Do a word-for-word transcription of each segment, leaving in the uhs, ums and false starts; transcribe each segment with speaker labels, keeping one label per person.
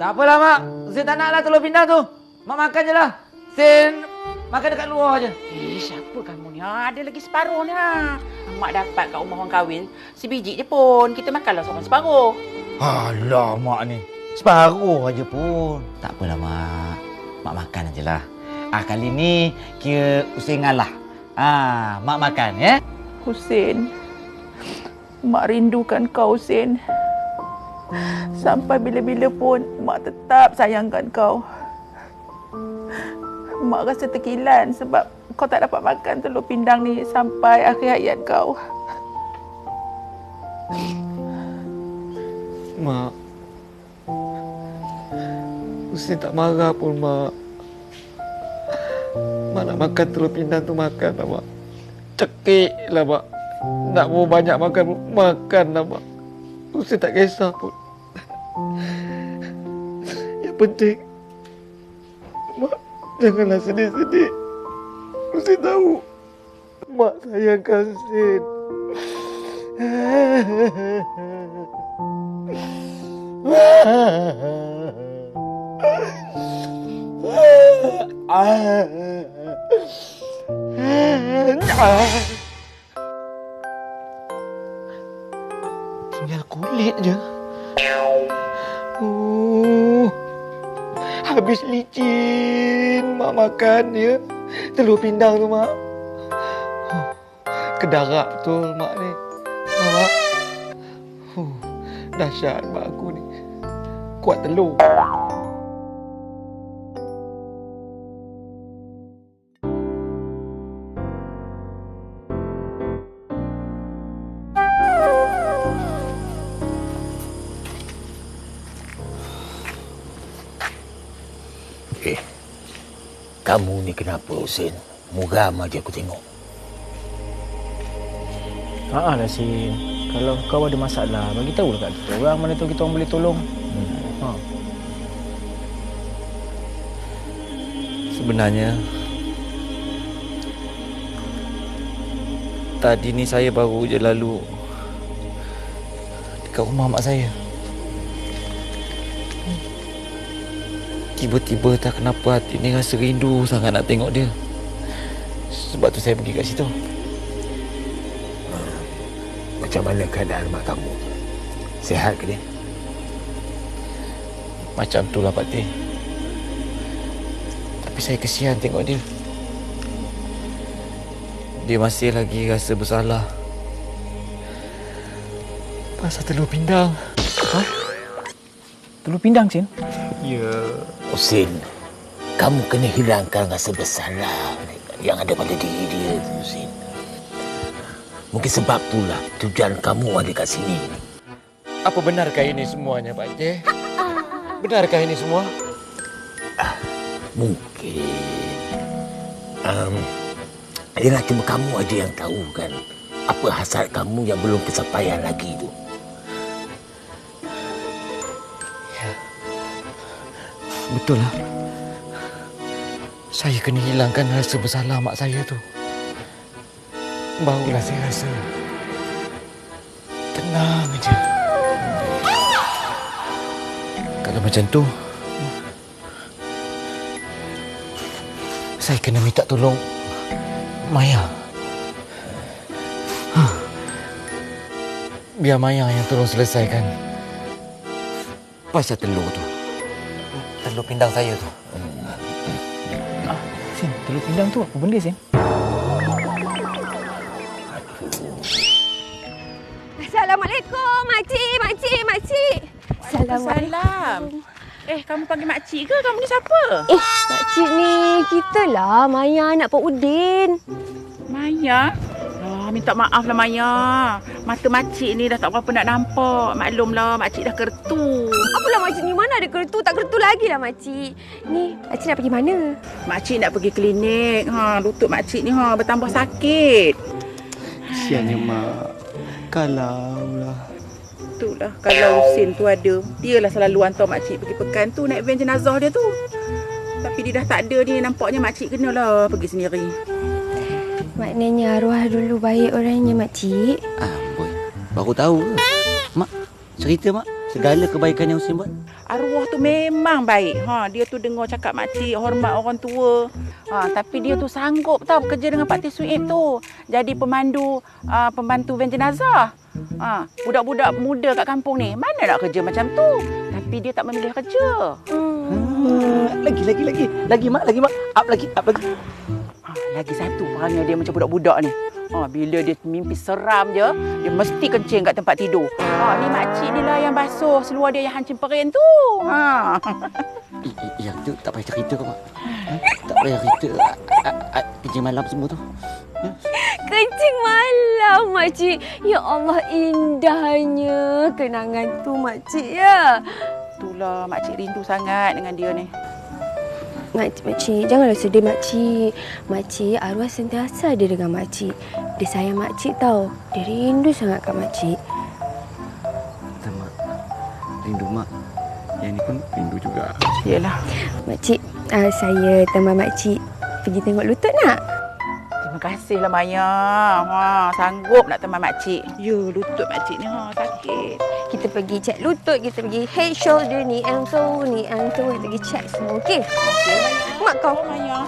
Speaker 1: Tak apalah, Mak. Sen tak naklah telur pindang tu. Mak makan je lah. Sen makan dekat luar je.
Speaker 2: Eh, siapa kamu ni? Ha, ada lagi separuh ni. Ha. Mak dapat kat rumah orang kahwin sebiji je pun. Kita makanlah seorang separuh.
Speaker 1: Alah, Mak ni. Separuh aja pun. Tak apalah, Mak. Mak makan je lah. Ah, kali ni kira Husin ngalah. Ah, Mak makan, ya?
Speaker 2: Husin, Mak rindukan kau, Husin. Sampai bila-bila pun Mak tetap sayangkan kau. Mak rasa terkilan sebab kau tak dapat makan telur pindang ni sampai akhir hayat kau.
Speaker 3: Mak, Husin tak marah pun, Mak. Mak nak makan telur pindang tu makan lah, Mak. Cekik lah, Mak. Nak mau banyak makan pun makan lah, Mak. Husin tak kisah pun. Yang penting, Mak janganlah sedih-sedih. Husin tahu Mak sayangkan Husin. Tinggal kulit je. Uh, habis licin Mak makan ya. Telur pindang tu, Mak. Uh, kedarak betul Mak ni. Ha, Mak. Uh, dahsyat Mak aku ni. Kuat telur.
Speaker 4: Eh, kamu ni kenapa, Husin? Muram aja aku tengok.
Speaker 5: Haa lah, Sin. Kalau kau ada masalah, bagi tahu dekat kita orang mana tahu kita orang boleh tolong. Hmm. Ha.
Speaker 3: Sebenarnya tadi ni saya baru je lalu dekat rumah mak saya. Tiba-tiba tak kenapa hati ni rasa rindu sangat nak tengok dia. Sebab tu saya pergi kat situ.
Speaker 4: Macam mana keadaan mak kamu? Sihat ke dia?
Speaker 3: Macam tu lah, Pak Teh. Tapi saya kesian tengok dia. Dia masih lagi rasa bersalah pasal telur pindang.
Speaker 5: Ha? Telur pindang, Sin?
Speaker 3: Ya.
Speaker 4: Husin, kamu kena hilangkan rasa bersalah yang ada pada diri dia, Husin. Mungkin sebab itulah tujuan kamu ada kat sini.
Speaker 3: Apa benarkah ini semuanya, Pak Teh? Benarkah ini semua?
Speaker 4: Ah, mungkin. Um, ialah cuma kamu aja yang tahu kan apa hasrat kamu yang belum kesampaian lagi tu.
Speaker 3: Ya. Betul lah. Saya kena hilangkan rasa bersalah mak saya tu. Barulah saya rasa tenang aja. Kalau macam tu, saya kena minta tolong Maya. Ha. Biar Maya yang tolong selesaikan pasal telur tu. Telur pindang saya tu.
Speaker 5: Ah, Sin, telur pindang tu apa benda, Sin?
Speaker 6: Assalamualaikum, makcik, makcik, makcik.
Speaker 2: Waalaikumsalam. Eh, kamu panggil makcik ke? Kamu ni siapa?
Speaker 6: Eh, makcik ni kita lah, Maya anak Pak Udin.
Speaker 2: Maya? Oh, minta maaf lah Maya. Mata makcik ni dah tak berapa nak nampak. Maklumlah, makcik dah kertu.
Speaker 6: Apalah makcik ni, mana ada kertu? Tak kertu lagi lah makcik. Ni, makcik nak pergi mana?
Speaker 2: Makcik nak pergi klinik. Ha, lutut makcik ni ha, bertambah sakit.
Speaker 3: Kesiannya mak. Kalaulah.
Speaker 2: Itulah, kalau Husin tu ada, dialah selalu hantar makcik pergi pekan tu, naik van jenazah dia tu. Tapi dia dah tak ada ni, nampaknya makcik kenalah pergi sendiri.
Speaker 6: Maknanya arwah dulu baik orangnya, makcik.
Speaker 1: Ah, boy. Baru tahu ke? Mak, cerita mak. segala kebaikan yang Husin buat?
Speaker 2: Arwah tu memang baik. Ha, dia tu dengar cakap makcik, hormat orang tua. Ha, tapi dia tu sanggup tau kerja dengan Pak Teh Suib tu. Jadi pemandu, uh, pembantu van jenazah. Ha, budak-budak muda kat kampung ni, mana nak kerja macam tu? Tapi dia tak memilih kerja.
Speaker 1: Hmm, lagi, lagi, lagi. Lagi, Mak. Lagi, Mak. Up lagi, up lagi.
Speaker 2: Ha, lagi satu perangai dia macam budak-budak ni. Ha, bila dia mimpi seram je, dia mesti kencing kat tempat tidur. Ha, ni makcik ni lah yang basuh seluar dia yang hancing perin tu. Ha.
Speaker 1: I, i, yang tu tak payah cerita kau, Mak. Ha? Tak payah cerita. Kerja malam semua tu. Ha?
Speaker 6: Kencing malam, makcik. Ya Allah, indahnya kenangan tu, makcik ya.
Speaker 2: Itulah makcik rindu sangat dengan dia ni.
Speaker 6: Makcik, makcik, janganlah sedih, makcik. Makcik, arwah sentiasa ada dengan makcik. Dia sayang makcik tau. Dia rindu sangat kat makcik.
Speaker 1: Tak, Mak. Rindu, Mak. Yang ni pun rindu juga.
Speaker 2: Yelah.
Speaker 6: Makcik, uh, saya tambah makcik pergi tengok lutut nak?
Speaker 2: Terima kasihlah Maya. Ha, sanggup nak teman makcik. Ya, lutut makcik ni ha, sakit.
Speaker 6: Kita pergi cek lutut, kita pergi head, shoulder, knee, ankle, knee, ankle. Kita pergi cek semua, okey?
Speaker 2: Okey,
Speaker 6: Mak kau.
Speaker 2: Maya.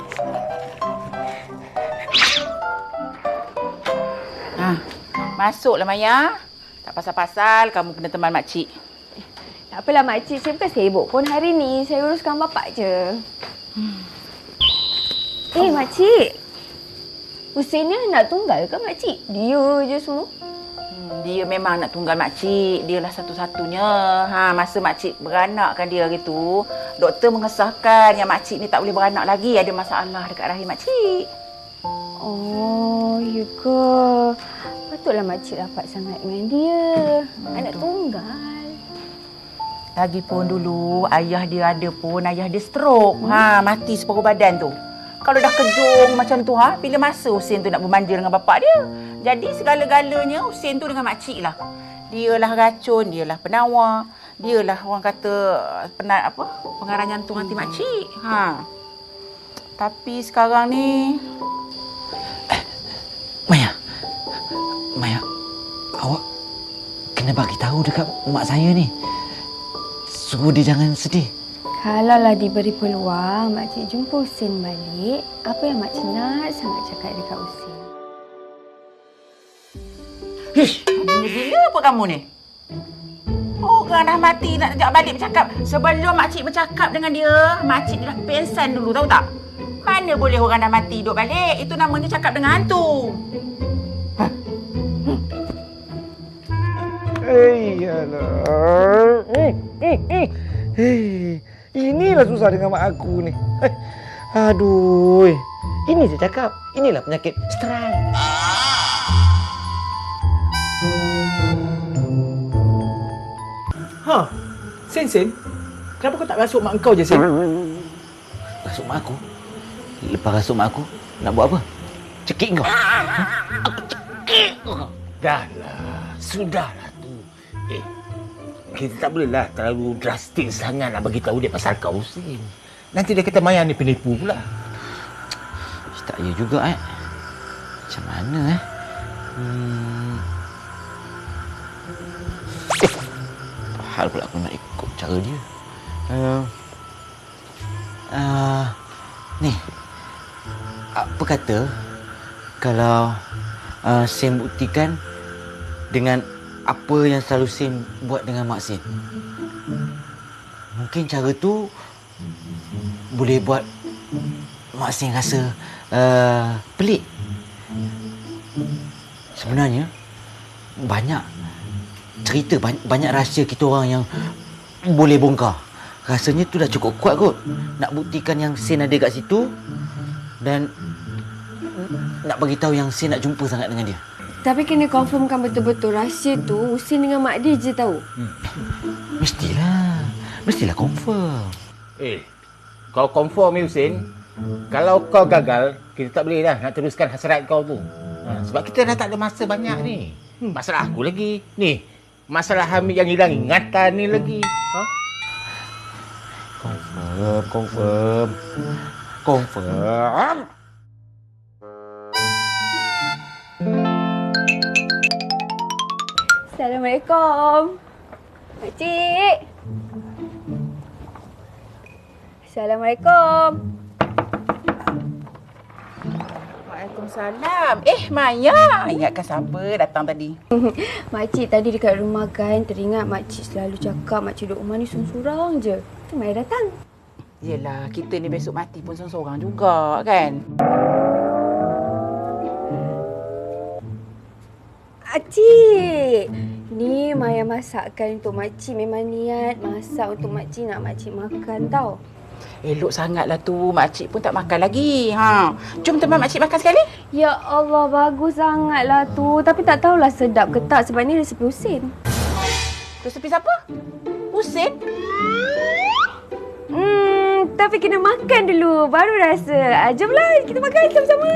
Speaker 2: Ha, masuklah Maya. Tak pasal-pasal kamu kena teman makcik.
Speaker 6: Tak apalah makcik, saya bukan sibuk pun hari ni. Saya uruskan bapak je. Hmm. Eh, oh. Makcik. Husin ni nak tunggal ke makcik? Dia je semua.
Speaker 2: Hmm, dia memang nak tunggal makcik. Dialah satu-satunya. Ha, masa makcik beranakkan dia gitu, doktor mengesahkan yang makcik ni tak boleh beranak lagi. Ada masalah dekat rahim makcik.
Speaker 6: Oh, ya ke? Patutlah makcik rapat sangat dengan dia. Hmm, anak betul. Tunggal.
Speaker 2: Lagipun dulu ayah dia ada pun, ayah dia stroke. Hmm. Ha, mati separuh badan tu. Kalau dah kejung macam tu, ha, bila masa Husin tu nak bermanja dengan bapak dia? Jadi segala-galanya Husin tu dengan makcik lah. Dialah racun, dialah penawar, dialah orang kata penat apa? Pengarah jantung hati makcik. Ha. Tapi sekarang ni
Speaker 1: eh, Maya. Maya. Awak kena bagi tahu dekat mak saya ni. Suruh dia jangan sedih.
Speaker 6: Kalaulah diberi peluang, makcik jumpa Husin balik, apa yang makcik nak sangat cakap dekat Husin?
Speaker 2: Hish, gila apa kamu ni? Orang dah mati nak ajak balik bercakap. Sebelum makcik bercakap dengan dia, makcik dia dah pensan dulu, tahu tak? Mana boleh orang dah mati duduk balik? Itu namanya cakap dengan hantu. Ha? Hmm.
Speaker 3: Eh, alah. Eh, eh, eh. Hei, inilah susah dengan mak aku ni. Eh, aduh. Ini saya cakap. Inilah penyakit stres.
Speaker 5: Ha, Sen Sen, kenapa kau tak rasuk mak kau je, Sen?
Speaker 1: Rasuk mak aku? Lepas rasuk mak aku, nak buat apa? Cekik kau? Ha? Aku cekik kau.
Speaker 4: Dahlah, sudahlah tu. Eh, kita tak bolehlah terlalu drastik sangat nak bagi tahu dia pasal kau, Husin. Nanti dia kata Maya ni penipu pula.
Speaker 1: Tak ya juga, eh. Macam mana, eh? Hmm. Eh, hal pula aku nak ikut cara dia. Uh, uh, ni, apa kata kalau uh, Sen buktikan dengan apa yang selalu Sen buat dengan Mak Sen? Mungkin cara tu boleh buat Mak Sen rasa uh, pelik. Sebenarnya banyak cerita, banyak, banyak rahsia kita orang yang boleh bongkar. Rasanya tu dah cukup kuat kot nak buktikan yang Sen ada kat situ dan nak bagi tahu yang Sen nak jumpa sangat dengan dia.
Speaker 6: Tapi kena confirmkan betul-betul rahsia tu Husin dengan mak dia je tahu.
Speaker 1: Hmm. Mestilah. Mestilah confirm.
Speaker 4: Eh, kau confirm ni, Husin. Kalau kau gagal, kita tak boleh dah nak teruskan hasrat kau tu. Ha, sebab kita dah tak ada masa banyak ni. Hmm, masalah aku lagi. Ni, masalah Hamid yang hilang ingatan ni lagi. Ha?
Speaker 1: Confirm, confirm. Confirm.
Speaker 6: Assalamualaikum. Makcik. Assalamualaikum.
Speaker 2: Waalaikumsalam. Eh, Maya. Ingatkan siapa datang tadi?
Speaker 6: Makcik tadi dekat rumah kan teringat makcik selalu cakap makcik duduk rumah ni sorang-sorang je. Tu Maya datang.
Speaker 2: Yelah, kita ni besok mati pun seorang-seorang juga kan?
Speaker 6: Makcik, ni Maya masakkan untuk makcik. Memang niat masak untuk makcik, nak makcik makan tau.
Speaker 2: Elok sangatlah tu. Makcik pun tak makan lagi. Ha. Jom teman makcik makan sekali.
Speaker 6: Ya Allah, bagus sangatlah tu. Tapi tak tahulah sedap ke tak sebab ni resepi Husin.
Speaker 2: Resepi siapa? Husin?
Speaker 6: Hmm, tapi kena makan dulu baru rasa. Ah, jomlah kita makan sama-sama.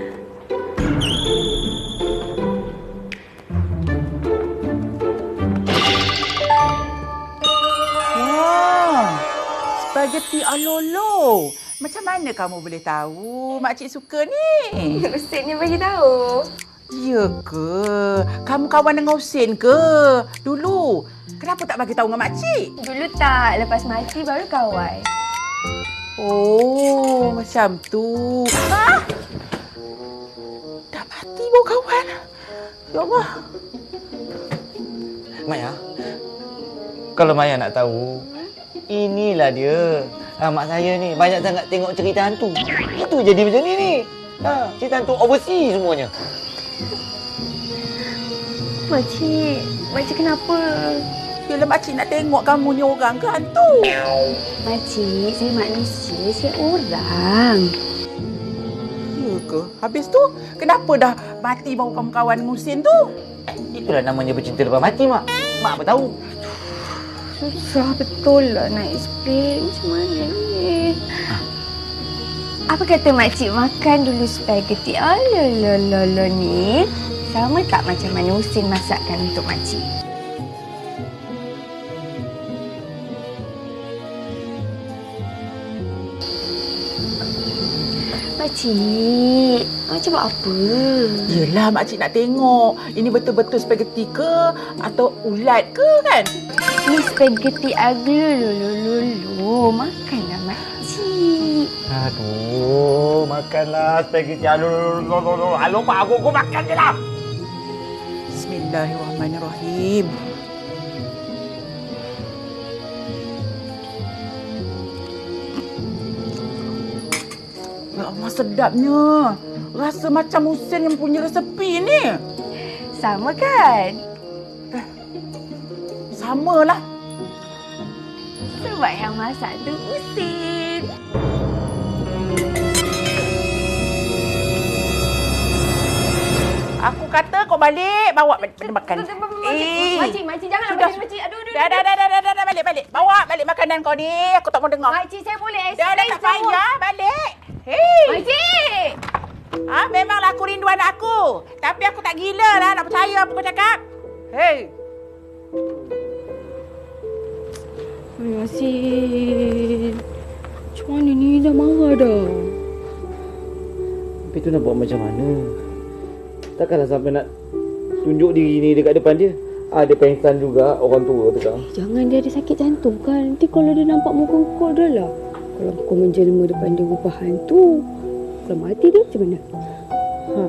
Speaker 2: Wah, spaghetti alolo. Macam mana kamu boleh tahu makcik suka ni?
Speaker 6: Husin ni bagi tahu.
Speaker 2: Ya ke? Kamu kawan dengan Husin ke? Dulu. Kenapa tak bagi tahu dengan makcik?
Speaker 6: Dulu tak, lepas mati baru kawan.
Speaker 2: Oh, macam tu. Ah! Dah mati baru kawan. Ya Allah.
Speaker 3: Maya, kalau Maya nak tahu, inilah dia. Ha, mak saya ni banyak sangat tengok cerita hantu. Itu jadi macam ni ni. Ha, cerita hantu overseas semuanya.
Speaker 6: Makcik, makcik kenapa?
Speaker 2: Bila makcik nak tengok kamu ni orang ke hantu?
Speaker 6: Makcik, saya manusia, saya orang.
Speaker 2: Ya ke? Habis tu, kenapa dah mati baru kamu kawan dengan Husin tu?
Speaker 3: Itulah namanya bercinta lepas mati, Mak. Mak apa tahu?
Speaker 6: Susah betul lah nak explain. Macam mana ni? Apa kata makcik makan dulu spaghetti alolololo ni? Sama tak macam mana Husin masakkan untuk makcik? Makcik, makcik buat apa?
Speaker 2: Yelah, makcik nak tengok. Ini betul-betul spaghetti ke atau ulat ke kan?
Speaker 6: Ni spaghetti aglolololo. Makanlah makcik.
Speaker 3: Aduh, makanlah spaghetti. Aduh, aduh, Pak, aku, aku makan je lah.
Speaker 2: Bismillahirrahmanirrahim. Ya Allah, sedapnya. Rasa macam Husin yang punya resepi ni.
Speaker 6: Sama kan?
Speaker 2: Samalah.
Speaker 6: Sebab yang masak tu Husin.
Speaker 2: Aku kata kau balik, bawa benda makan.
Speaker 6: Eh, makcik, makcik janganlah
Speaker 2: sudah.
Speaker 6: macam makcik. Aduh, aduh.
Speaker 2: Dah, dah, dah, dah, dah, dah, dah, balik, balik. Bawa balik makanan kau ni. Aku tak mau dengar.
Speaker 6: Makcik, saya boleh
Speaker 2: Dah, dah,
Speaker 6: explain
Speaker 2: tak payah. Balik. Hei.
Speaker 6: Makcik!
Speaker 2: Ah, memanglah aku rindu anak aku. Tapi aku tak gila lah nak percaya apa kau cakap. Hei.
Speaker 6: Yasin. Macam mana ni? Dah marah dah.
Speaker 3: Tapi tu nak buat macam mana? Takkanlah sampai nak tunjuk diri ni dekat depan dia. Ah, dia pengsan juga, orang tua tu kan.
Speaker 6: Jangan, dia ada sakit jantung kan. Nanti kalau dia nampak muka kau dah lah. Kalau kau menjelma depan dia rupa hantu. Kalau mati dia macam mana?
Speaker 3: Ha,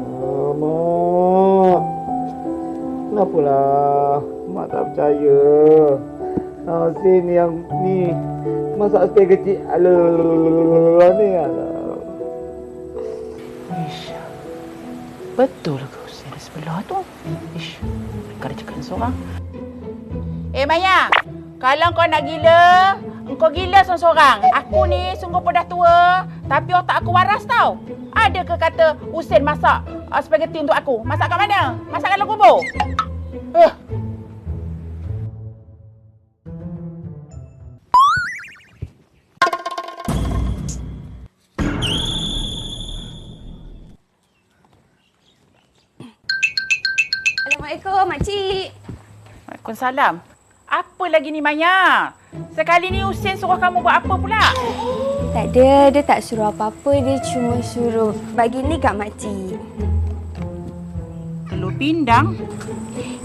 Speaker 3: Mak. Kenapalah? Mak tak percaya. Ah, Sin yang ni masak spaghetti ala ni ala.
Speaker 2: Ish. Betul ke Husin di sebelah tu? Ish. Mereka ada cakap seorang. Eh Maya, kalau kau nak gila, kau gila seorang-seorang. Aku ni sungguh pun dah tua, tapi otak aku waras tau. Ada ke kata Husin masak uh, spaghetti untuk aku? Masak kat mana? Masak kat dalam kubur? Uh.
Speaker 6: Assalamualaikum, makcik.
Speaker 2: Waalaikumsalam. Apa lagi ni Maya? Sekali ni Husin suruh kamu buat apa pula?
Speaker 6: Tak ada, dia tak suruh apa-apa. Dia cuma suruh bagi ni kat makcik.
Speaker 2: Telur pindang?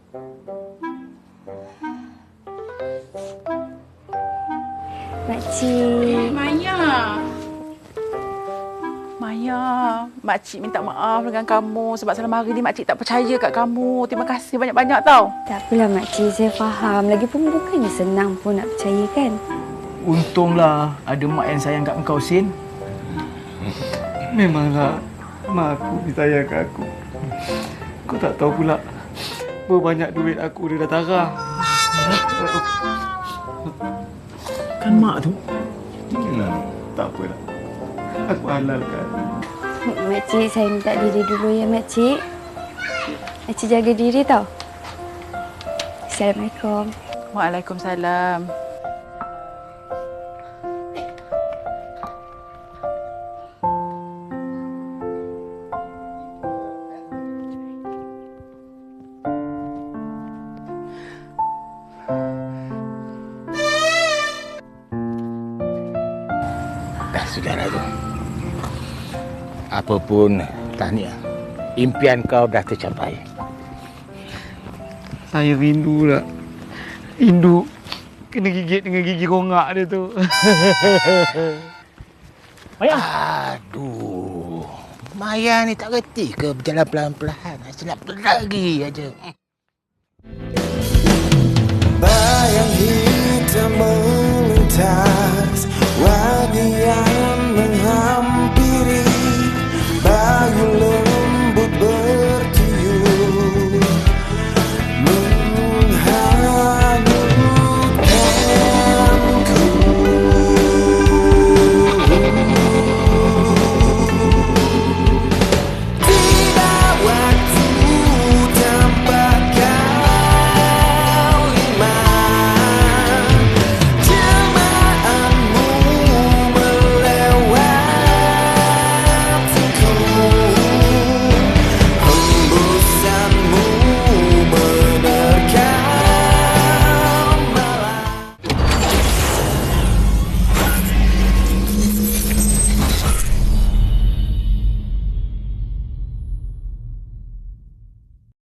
Speaker 6: makcik.
Speaker 2: Maya. Maya, makcik minta maaf dengan kamu sebab selama hari ni makcik tak percaya kat kamu. Terima kasih banyak-banyak tau.
Speaker 6: Tak apalah makcik, saya faham. Lagipun bukannya senang pun nak percaya kan.
Speaker 5: Untunglah ada mak yang sayang kat engkau, Sin.
Speaker 3: Memanglah mak aku disayang kat aku. Kau tak tahu pula berapa banyak duit aku dia dah tarah.
Speaker 5: Kan mak tu.
Speaker 3: Itulah, tak apalah. Aku halalkan.
Speaker 6: Makcik, saya minta diri dulu ya makcik. Makcik jaga diri tau. Assalamualaikum.
Speaker 2: Waalaikumsalam.
Speaker 4: Dah sudahlah tu. Apapun, tahniah. Impian kau dah tercapai.
Speaker 3: Saya rindu lah. Rindu kena gigit dengan gigi rongak dia tu.
Speaker 5: Maya.
Speaker 4: Aduh. Maya ni tak reti ke berjalan pelan-pelan? Asyik nak lagi aja.
Speaker 7: Bayang hitam melintas, wajah